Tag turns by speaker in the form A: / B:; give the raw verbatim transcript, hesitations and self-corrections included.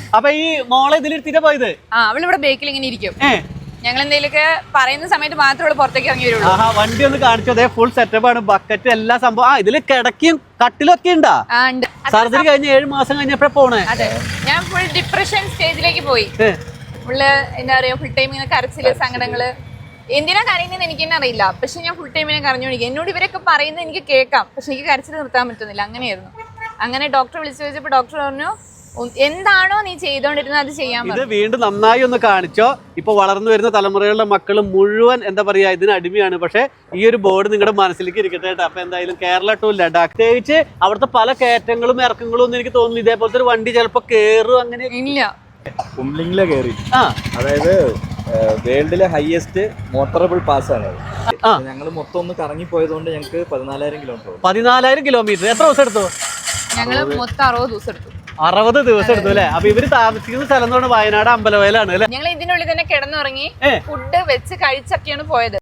A: അപ്പൊ ഈ മോളെ ഇതിലിരുത്തിട്ട് പോയത്?
B: ആ അവളിവിടെ ബേക്കിൽ ഇങ്ങനെ ഇരിക്കും.
A: ഏഹ്
B: ഞങ്ങൾ എന്തെങ്കിലുമൊക്കെ പറയുന്ന സമയത്ത് മാത്രമേ പുറത്തേക്ക് ഇറങ്ങി വരുള്ളൂ.
A: ആഹാ, വണ്ടി ഒന്ന് കാണിച്ചു. അതേ ഫുൾ സെറ്റപ്പ് ആണ്, ബക്കറ്റ് എല്ലാ സംഭവം. ആ ഇതില് കിടക്കിയും കട്ടിലൊക്കെ ഉണ്ടാ? സർജറി കഴിഞ്ഞ് ഏഴ് മാസം കഴിഞ്ഞപ്പോഴേ പോണേ?
B: അതെ, ഞാൻ ഫുൾ ഡിപ്രഷൻ സ്റ്റേജിലേക്ക് പോയി. ഫുള്ള് എന്താ പറയാ, ഫുൾ ടൈം ഇങ്ങനെ കരച്ചില്, സങ്കടങ്ങള്. എന്തിനാ കരയുന്നതെന്ന് എനിക്ക് തന്നെ അറിയില്ല. പക്ഷെ ഞാൻ ഫുൾ ടൈം ഇങ്ങനെ കരഞ്ഞോണ്ടിരിക്കും. എന്നോട് ഇവരൊക്കെ പറയുന്നത് എനിക്ക് കേൾക്കാം, പക്ഷെ എനിക്ക് കരച്ചിൽ നിർത്താൻ പറ്റുന്നില്ല. അങ്ങനെയായിരുന്നു. അങ്ങനെ ഡോക്ടറെ വിളിച്ചു ചോദിച്ചപ്പോൾ ഡോക്ടർ പറഞ്ഞു, എന്താണോ നീ ചെയ്തോണ്ടിരുന്നത് അത് ചെയ്യാൻ.
A: ഇത് വീണ്ടും നന്നായി ഒന്ന് കാണിച്ചോ. ഇപ്പൊ വളർന്നു വരുന്ന തലമുറകളുടെ മക്കൾ മുഴുവൻ എന്താ പറയാ ഇതിന് അടിമയാണ്. പക്ഷെ ഈ ഒരു ബോർഡ് നിങ്ങളുടെ മനസ്സിലേക്ക് ഇരിക്കട്ടെ കേട്ടോ. അപ്പൊ എന്തായാലും കേരള ടു ലഡാക്ക്, പ്രത്യേകിച്ച് അവിടുത്തെ പല കയറ്റങ്ങളും ഇറക്കങ്ങളും ഒന്നും എനിക്ക് തോന്നുന്നു ഇതേപോലത്തെ ഒരു വണ്ടി ചിലപ്പോ കേറും അങ്ങനെ
B: ഇല്ല.
C: കുംബ്ലിംഗിലെ കയറി.
A: ആ
C: അതായത് വേൾഡിലെ ഹയസ്റ്റ് മോട്ടറബിൾ പാസ് ആണ്. ഞങ്ങൾ മൊത്തം ഒന്ന് കറങ്ങി പോയതുകൊണ്ട് ഞങ്ങൾക്ക് പതിനാലായിരം കിലോമീറ്റർ
A: പതിനാലായിരം കിലോമീറ്റർ എത്ര ദിവസം എടുത്തു?
B: ഞങ്ങള് മൊത്തം അറുപത് ദിവസം എടുത്തു.
A: അറുപത് ദിവസം എടുത്തു അല്ലെ? അപ്പൊ ഇവര് താമസിക്കുന്ന സ്ഥലം എന്ന് പറഞ്ഞാൽ വയനാട് അമ്പലവയലാണ് അല്ലെ?
B: ഞങ്ങൾ ഇതിനുള്ളിൽ തന്നെ കിടന്നുറങ്ങി ഫുഡ് വെച്ച് കഴിച്ചൊക്കെയാണ് പോയത്.